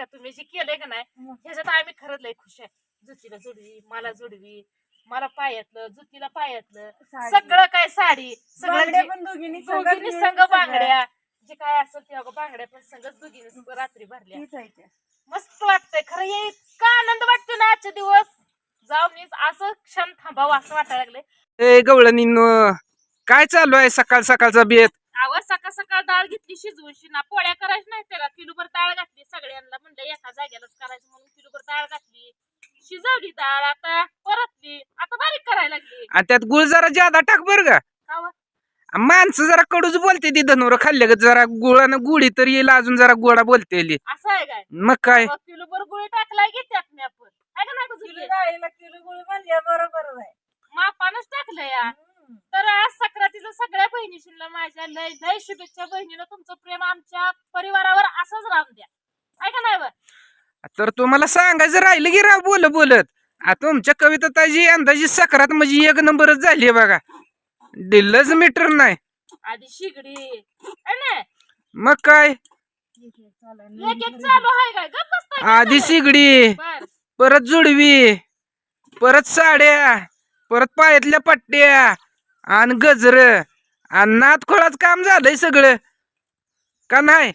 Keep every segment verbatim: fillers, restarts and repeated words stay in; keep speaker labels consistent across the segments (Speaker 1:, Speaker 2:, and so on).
Speaker 1: का तुम्ही जे केलंय का नाही ह्याच्यात आम्ही खरंच लय खुश आहे. जुतीला जोडवी, मला जोडवी, मला पायातलं, जुतीला पायातलं, सगळं काय साडी सगळं
Speaker 2: पण दोघींनी
Speaker 1: दोघींनी संघ बांगड्या जे काय असेल ते अगं बांगड्या पण संघच दोघींनी रात्री भरल्या. मस्त वाटतंय खरं हे इतका आनंद वाटतो ना आजचे दिवस जाऊन असं क्षण थांबावं असं वाटायला लागले.
Speaker 3: ए गवळणींनो काय चालू आहे सकाळ सकाळचा बेत?
Speaker 1: आवाज सकाळ सकाळ डाळ घेतली शिजवून शिना पोळ्या करायच्या नाही त्याला किलोभर डाळ घातली सगळ्यांना म्हणलं एका जाग्यालाच करायचं म्हणून किलोभर डाळ घातली शिजवली डाळ आता परतली आता बारीक करायला लागली.
Speaker 3: आणि त्यात गुळ जरा ज्यादा टाक बर का. माणसं जरा कडूच बोलते ती धनुर खाल्ले ग जरा गुळानं गुढी तर येईल अजून जरा गोडा बोलते
Speaker 1: असं आहे काय
Speaker 3: मग काय
Speaker 1: किलोभर गुळ टाकलाय की त्यात मी आपण आहे का नाही
Speaker 2: किलो गुळ म्हणजे बरोबर आहे
Speaker 1: मापानच टाकलं या. तर आज सक्रातीचं सगळ्या बहिणीशीला माझ्या लय लय शुभेच्छा. बहिणीनं तुमचं प्रेम आमच्या परिवारावर असंच राहून द्या आहे का नाही.
Speaker 3: तर तुम्हाला सांगायचं राहिलं की राव बोल बोलत आता तुमच्या कविता ताजी अंदाजी सकरात म्हणजे एक नंबरच झाली बघा. दिल्लच मीटर नाही
Speaker 1: आधी शिगडी है ना
Speaker 3: मग काय
Speaker 1: एक एक चालू आहे काय गप्प बसताय का
Speaker 3: आधी
Speaker 1: झालं?
Speaker 3: सिगडी
Speaker 1: बर
Speaker 3: परत जुडवी परत साड्या परत पायातल्या पट्ट्या आणि गजर आणि नातखोळाच काम झालंय सगळं का नाही.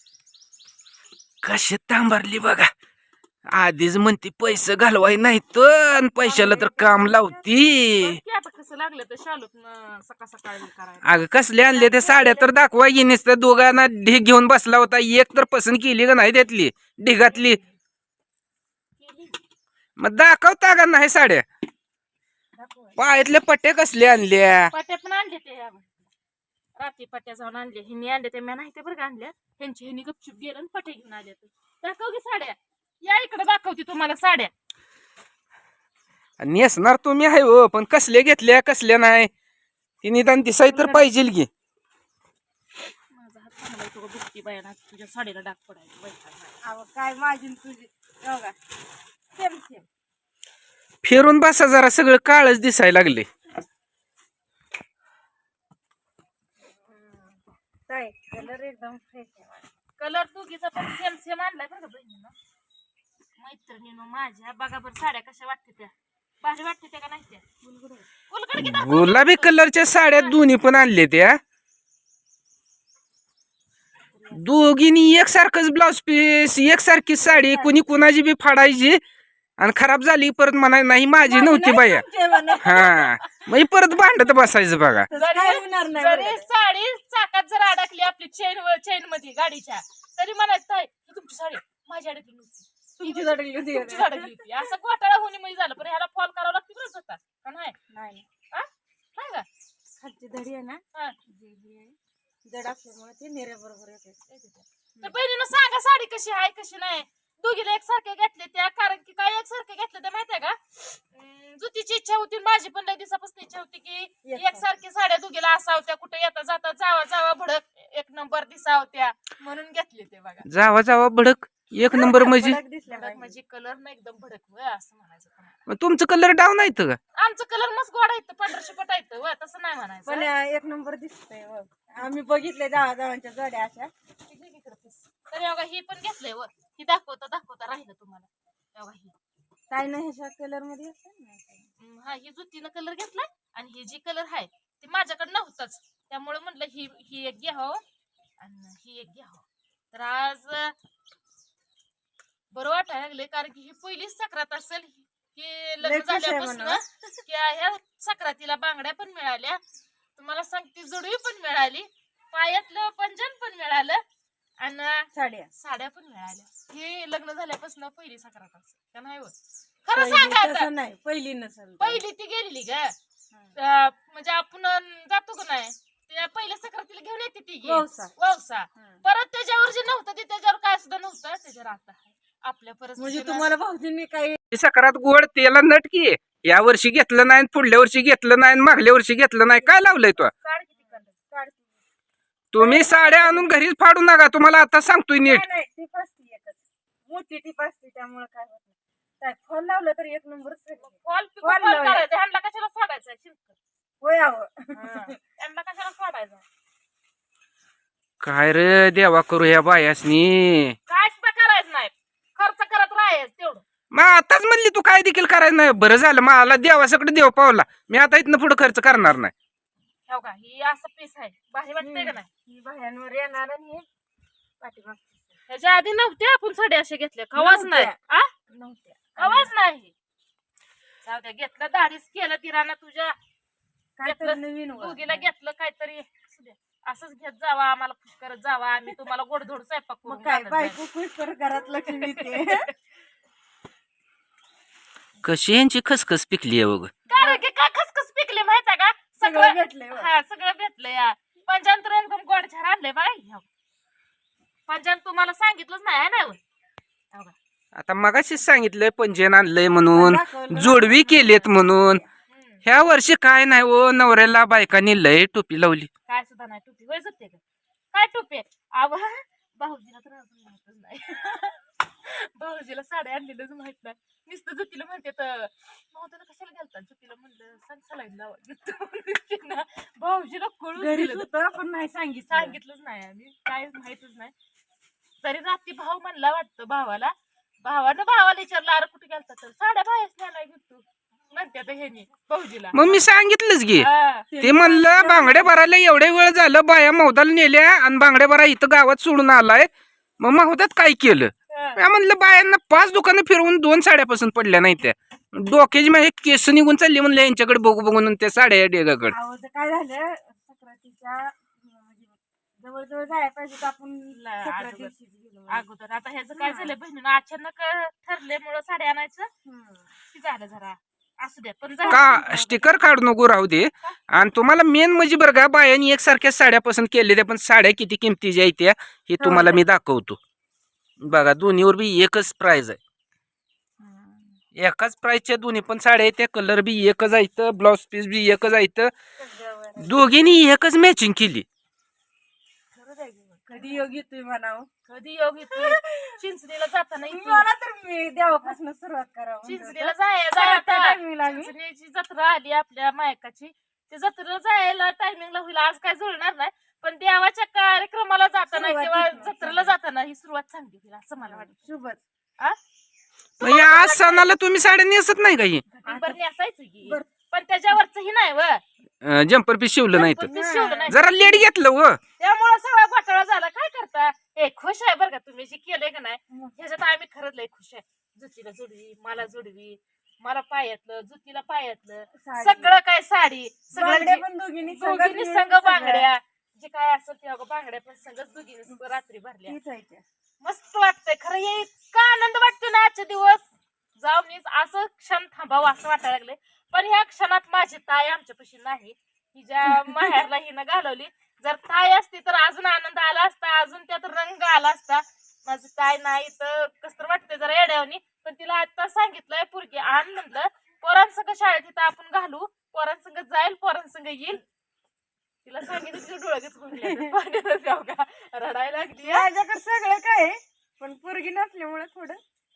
Speaker 3: कशी तांबारली बघा आधीच म्हणती पैसे घालवाय नाही तर पैशाला तर काम लावती.
Speaker 1: की आता कसं लागलं तर शालूत सकाळ सकाळी करायला.
Speaker 3: अगं कसले आणले ते साड्या तर दाखवा येणीस तर दोघांना ढीग घेऊन बसला होता एक तर पसंत केली का नाही त्यातली ढिगातली मग दाखवता का नाही साड्या पायातले पट्टे कसले आणल्या
Speaker 1: पट्ट्या पण आणले ते रात्री पट्ट्या जाऊन आणले हिनी आणले ते मी नाही ते बरं का आणल्या त्यांची हिनी गपचूप गेलं आणि पट्टे घेऊन आले. दाखव की साड्या या इकडे दाखवते तुम्हाला साड्या.
Speaker 3: नेसणार तुम्ही आहे हो पण कसले घेतल्या कसल्या नाही ती निदान दिसाय तर पाहिजे की.
Speaker 1: माझा हात चांगला येतो बुक्की बाया तुझ्या साडीला डाग पडायचं
Speaker 2: काय माझी तुझी बघा सेम सेम
Speaker 3: फिरून बसा जरा सगळं काळच दिसायला लागले.
Speaker 2: कलर एकदम फ्रेश आहे.
Speaker 1: कलर दोघीचा पण सेम सेम आणलाय बरं का बहिणीनं. मैत्रिणीनं माझ्या बघा बरं साड्या कशा वाटते त्या भारी वाटते त्या का नाही त्या उलगड की दाखव.
Speaker 3: गुलाबी कलरच्या साड्या दोन्ही पण आणले त्या दोघींनी एकसारखंच ब्लाउज पीस एकसारखी साडी कुणी कुणाची बी फाडायची आणि खराब झाली परत म्हणाय नाही माझी नव्हती बाया. हा मग परत भांडत बसायचं बघा.
Speaker 1: जरी साडी चाकात जर अडकली आपली चेन चेन मध्ये गाडीच्या तरी म्हणायचं ही तुमची साडी माझी अडकली नव्हती
Speaker 2: तुमची अडकली होती
Speaker 1: तुमची अडकली होती. असं घोटाळा होणे मध्ये झालं पण ह्याला फॉल करावं लागतं बरंच होता का नाही
Speaker 2: नाही
Speaker 1: नाही का
Speaker 2: खालची धडी आहे ना
Speaker 1: हा.
Speaker 2: जड असल्यामुळे ते नेऱ्या बरोबर येते.
Speaker 1: तर बहिणीनं सांगा साडी कशी आहे कशी नाही. दोघीला एकसारखे घेतले त्या कारण की काय एकसारखे घेतले त्या माहितीये का जुतीची इच्छा होती माझी पण लई दिवसापासून इच्छा होती की एकसारखी साड्या दोघीला असावत्या कुठे येता जाता जावा जावा भडक एक नंबर दिसावत्या म्हणून घेतले ते बघा.
Speaker 3: जावा जावा भडक एक नंबर म्हणजे
Speaker 1: भडक म्हणजे कलर ना एकदम भडक व असं म्हणायचं.
Speaker 3: मग तुमचं कलर डाऊन आहेत का?
Speaker 1: आमचं कलर मस्त गोड आहेत पंधराशे पट आहेत व तसं नाही म्हणायचं
Speaker 2: पण एक नंबर दिसतंय आम्ही बघितले जावा जावांच्या जोड्या अशा.
Speaker 1: तर एवढा ही पण घेतलंय व ही दाखवता दाखवता राहिलं तुम्हाला एवढा ही
Speaker 2: काय नाही ह्याच्या कलर मध्ये असतं
Speaker 1: हा ही जुतीनं कलर घेतलाय आणि ही जी कलर आहे ती माझ्याकडे नव्हताच त्यामुळे म्हणलं ही ही एक घ्यावं आणि ही एक घ्यावं. तर आज बरं वाटायला लागले कारण की ही पहिलीच सक्रात असेल की लग्न झाल्यापासून की ह्या सक्रातीला बांगड्या पण मिळाल्या तुम्हाला सांगते जुडवी पण मिळाली पायातलं पंजन पण मिळालं आणि
Speaker 2: साड्या
Speaker 1: साड्या पण मिळाल्या. हे लग्न झाल्यापासून पहिली सक्रात असेल का नाही खरं सांगा आता.
Speaker 2: नाही पहिली नसेल
Speaker 1: पहिली ती गेलेली ग म्हणजे आपण जातो का नाही त्या पहिल्या सक्रातीला घेऊन येते ती वौसा परत त्याच्यावर जे नव्हतं ते त्याच्यावर काय सुद्धा नव्हतं त्याच्यावर आता आपल्या परत
Speaker 2: म्हणजे तुम्हाला भाऊजींनी काही
Speaker 3: सकरात गोड तेला नटकी या वर्षी घेतलं नाही पुढल्या वर्षी घेतलं नाही मागल्या वर्षी घेतलं नाही काय लावलंय तो. तुम्ही साड्या आणून घरीच फाडू नका तुम्हाला आता सांगतोय नीट.
Speaker 2: टीप असते एकच मोठी टीप असते त्यामुळे काय होत नाही. फॉल लावलं तर एक नंबर
Speaker 1: फॉल करायचं ह्यांना कशाला सोडायचं
Speaker 2: होय आव
Speaker 1: ह्यांना कशाला सोडायचं.
Speaker 3: काय रे देवा करू ह्या बायासनी
Speaker 1: कायच करायचं नाही
Speaker 3: काय देखील करायचं नाही. बरं झालं मला देवासकडे देव पावला. मी आता इथनं पुढे खर्च करणार नाही.
Speaker 1: हो का ही असं पीस आहे भारी वाटतंय का नाही
Speaker 2: ही बाह्यांवर येणार आणि हे पाठीमागचं.
Speaker 1: ह्याच्या आधी नव्हते आपण साडे असे घेतले कवाच नाही
Speaker 2: नव्हत्या.
Speaker 1: आ
Speaker 2: नव्हत्या
Speaker 1: कवाच नाही. जाऊ द्या घेतलं दाढीच केलं तिराना तुझ्या
Speaker 2: काय तर
Speaker 1: घेतलं,
Speaker 2: नवीन वर.
Speaker 1: दोघीला घेतलं काहीतरी असू दे. असंच घेत जावा आम्हाला खुश करत जावा आम्ही तुम्हाला गोडधोड स्वयंपाक
Speaker 2: मग
Speaker 1: करून
Speaker 2: काय
Speaker 1: घालत जाऊ.
Speaker 2: बायको खुश कर घरात लक्ष्मी येते.
Speaker 3: कशी यांची खसखस पिकली आहे बघ.
Speaker 1: कारण की काय खसखस पिकले माहित आहे का
Speaker 2: सगळं
Speaker 1: सगळं
Speaker 2: भेटलंय बघ.
Speaker 1: हा सगळं भेटलं या पंचांतर एकदम गोड छान आणले बाई पंचांत तुम्हाला सांगितलंच नाही ना हो का?
Speaker 3: आता मगाशीच सांगितलंय पंजन आणलंय म्हणून,
Speaker 2: दाखवलं.
Speaker 3: जोडवी केलेत म्हणून.
Speaker 1: हम्म.
Speaker 3: ह्या वर्षी काय नाही ओ, नवऱ्याला बायकांनी लय टोपी लावली.
Speaker 1: काय सुद्धा नाही टोपी होय जाते का काय टोपी आव भाऊजीला तर अजून माहितच नाही. भाऊजीला साड्या आणलेलंच माहित नाही. नुसतं जुतीला म्हणते तर भाऊजीला कशाला घालतात जुतीला म्हणलं सांग सलाईन लावा. भाऊजीला कळून
Speaker 2: घरीच
Speaker 1: दिलं
Speaker 2: होतं पण नाही सांगितलं.
Speaker 1: सांगितलंच नाही आम्ही काय माहितच नाही. तरी रात्री भाऊ म्हणला वाटतं भावाला भावानं भावाला विचारलं अरे कुठे गेलता तर साड्या बाहेर न्यायला घेतो म्हणते आता ह्यानी भाऊजीला.
Speaker 3: मग मी सांगितलंच गे.
Speaker 1: हा.
Speaker 3: ते म्हणलं बांगड्या भरायला एवढे वेळ झालं, बाया मौदाला नेल्या आणि बांगड्या भरा इथं गावात सोडून आलाय. मग मौदात काय केलं?
Speaker 1: हा.
Speaker 3: मी म्हणलं बायांना पाच दुकानं फिरवून दोन साड्यापासून पडल्या नाही त्या. डोक्याची माझी केस निघून चालली म्हणलं यांच्याकडे बघू बघून त्या साड्या डेगाकडे.
Speaker 2: अहो, ते काय झालं सक्रातीच्या म्हणजे जवळजवळ जायला पाहिजे तर आपण
Speaker 1: ला-
Speaker 2: सक्रातीशीच गेलो.
Speaker 1: अगोदर आता ह्याचं काय झालं बहिणीनं अचानक ठरल्यामुळं साड्या आणायचं
Speaker 2: हम्म.
Speaker 1: ती झालं जरा असू द्या पण झालं.
Speaker 3: का स्टिकर काढू नको राहू दे. आणि तुम्हाला मेन म्हणजे बरं का बायांनी एकसारख्या साड्या पसंत केलेल्या, पण साड्या किती किमतीच्या आहेत त्या हे तुम्हाला मी दाखवतो. बघा दोन्हीवर बी एकच प्राइस आहे.
Speaker 1: हम्म.
Speaker 3: एकाच प्राइसच्या दोन्ही पण साड्या आहेत. त्या कलर बी एकच आहेत, ब्लाउज पीस बी एकच आहेत.
Speaker 2: सगळ्यावर.
Speaker 3: दोघींनी एकच मॅचिंग केली.
Speaker 1: खरंच आहे की.
Speaker 2: कधी योग येतोय म्हणावं.
Speaker 1: कधी योग येतोय चिंचणीला जाताना इथून
Speaker 2: मला तर मी देवापासून सुरुवात करावं
Speaker 1: चिंचणीला जायला
Speaker 2: त्या
Speaker 1: आता
Speaker 2: टायमिंगला आम्ही-
Speaker 1: चिंचणीची जत्रा आली आपल्या मायकाची. ते जत्रेला जायला टायमिंगला होईल आज काय जुळणार नाही पण देवाच्या कार्यक्रमाला जाताना
Speaker 2: सुरुवात
Speaker 1: किंवा
Speaker 2: इथून.
Speaker 1: जत्रेला जाताना ही सुरुवात चांगली होईल असं मला वाटतं.
Speaker 2: शुभच.
Speaker 1: आ?
Speaker 3: म्हणजे आज सणाला तुम्ही साड्या नेसत नाही का ही?
Speaker 1: बरं असायचं की
Speaker 2: बरं.
Speaker 1: पण त्याच्यावरच ही नाही व
Speaker 3: जम्पर पीस शिवलं नाही तर
Speaker 1: ते शिवलं नाही
Speaker 3: जरा लेट घेतलं व.
Speaker 1: त्यामुळे सगळा घोटाळा झाला. काय करता ए खुश आहे बरं का तुम्ही जे केलंय का नाही ह्याच्यात आम्ही खरंच लय खुश आहे. जुतीला जोडवी मला जोडवी मला पायातलं जुतीला पायातलं
Speaker 2: साडी.
Speaker 1: सगळं काय साडी सगळं
Speaker 2: बांगड्या
Speaker 1: जे-
Speaker 2: पण दोघींनी
Speaker 1: दोघींनी
Speaker 2: संघ
Speaker 1: संघ बांगड्या जे काय असेल ते अगं बांगड्या पण संघच दोघींनी रात्री भरल्या.
Speaker 2: तीच आहे त्या.
Speaker 1: मस्त वाटतंय खरं हे इतका आनंद वाटतो ना आजचे दिवस जाऊन मी असं क्षण थांबावं असं वाटायला लागले. पण ह्या क्षणात माझी ताई आमच्यापाशी नाही. हिच्या माहेरला हिनं घालवली. जर ताई असती तर अजून आनंद आला असता अजून त्यात रंग आला असता. माझी ताई नाही तर कसं वाटतंय जरा येड्यावनी. पण तिला आता सांगितलंय पुरगी आण म्हणलं पोरांसंग शाळेत इथं आपण घालू पोरांसंग जाईल पोरांसंग येईल. तिला सांगितलं तिचे डोळ्याच गुंगले जाऊ का रडायला लागली.
Speaker 2: माझ्याकडे सगळं काय आहे, पण पोरगी नसल्यामुळे थोडं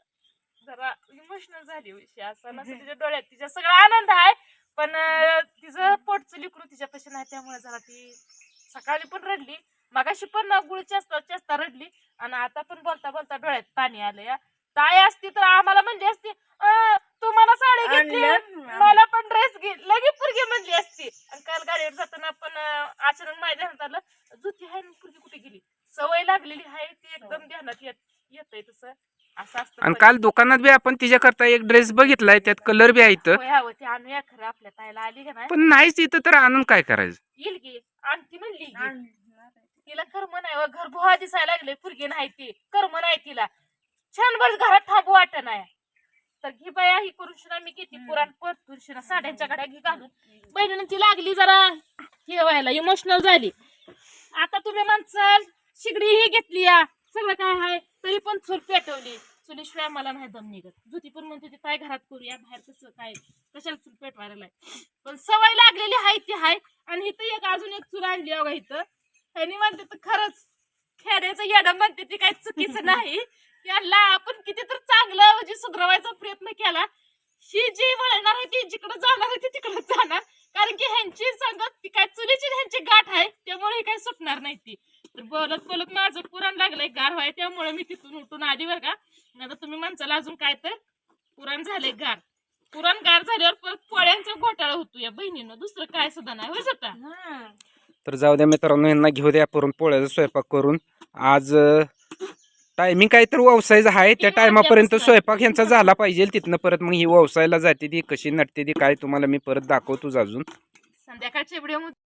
Speaker 1: जरा इमोशनल झाली विषय असं नसतं तिच्या डोळ्यात तिच्या सगळा आनंद आहे पण अं, तिचं पोटचं लिकरू तिच्यापाशी नाही त्यामुळे जरा ती सकाळी पण रडली मगाशी पण गुळ चेस्ता चेस्ता रडली आणि आता पण बोलता बोलता डोळ्यात पाणी आलं. या ताई असती तर आम्हाला म्हणली असती "अं, तू मला साडी घेतली
Speaker 2: आणलं.
Speaker 1: मला पण ड्रेस घे लगे पुरगी म्हणली असती. आणि काल गाडीवर जाताना पण अं, अचानक माझ्या ध्यानात आलं जुती आहे ना पुरगी कुठे गेली. सवय लागलेली आहे ती एकदम ध्यानात येत येतंय तसं असं असतं.
Speaker 3: आणि काल दुकानात बी आपण तिच्याकरता एक ड्रेस बघितलाय त्यात कलर बी आहेत
Speaker 1: होय हवं ते आणूया खरं आपल्या ताईला आली का नाही
Speaker 3: पण नाहीच इथं तर आणून काय करायचं.
Speaker 1: येईल की आणती म्हणली की.
Speaker 2: आणलं.
Speaker 1: तिला कर्म नाही व घर बुहा दिसायला लागले पुरगी नाही ती कर्म नाही तिला छान बस घरात थांबू वाटत नाही. तर घे बाया ही करून शिना मी किती पुराण परतून शिना साड्यांच्या गड्या घे घालून बहिणीने ती लागली जरा हे व्हायला इमोशनल झाली. आता तुम्ही म्हणसाल शिगडी ही घेतली या सगळं काय आहे तरी पण चूल पेटवली. चुलीशिवाय मला नाही दम निघत. जुती पण म्हणते ती काय घरात करूया बाहेर कसं काय कशाला चूल पेटवायला लाय. पण सवय लागलेली आहे ती आहे. आणि इथं एक अजून एक चूल आणली अगं इथं ह्यानी म्हणते तर खरंच खेड्याचं येडं म्हणते ती काही चुकीचं नाही. याला आपण किती तर चांगलं म्हणजे सुधरवायचा प्रयत्न केला. ही जी वळणार आहे ती जिकडे जाणार आहे ती तिकडे जाणार कारण की ह्यांची संगत ती काय चुलीची ह्यांची गाठ आहे त्यामुळे हे काही सुटणार नाही ती. तर बोलत बोलत माझं पुराण लागलंय गार व्हाय त्यामुळे मी तिथून उठून आली बरं का. आता तुम्ही म्हणचाल अजून काय तर पुरण झाले गार पुरण गार झाल्यावर परत पोळ्यांचा घोटाळा होतो या बहिणीनं दुसरं काय सुद्धा नाही होय स्वतः.
Speaker 2: हा.
Speaker 3: तर जाऊ द्या मित्रांनो, यांना घेऊ द्या पुरण पोळ्याचा स्वयंपाक करून. आज टायमिंग काय तर व्यवसायचं आहे, त्या
Speaker 1: तीन
Speaker 3: टायमापर्यंत
Speaker 1: वाजल्यापासून.
Speaker 3: स्वयंपाक ह्यांचा झाला पाहिजे. तिथनं परत मग ही व्यवसायाला जाते ती कशी नटते ती काय तुम्हाला मी परत दाखवतोच अजून.
Speaker 1: संध्याकाळच्या व्हिडिओ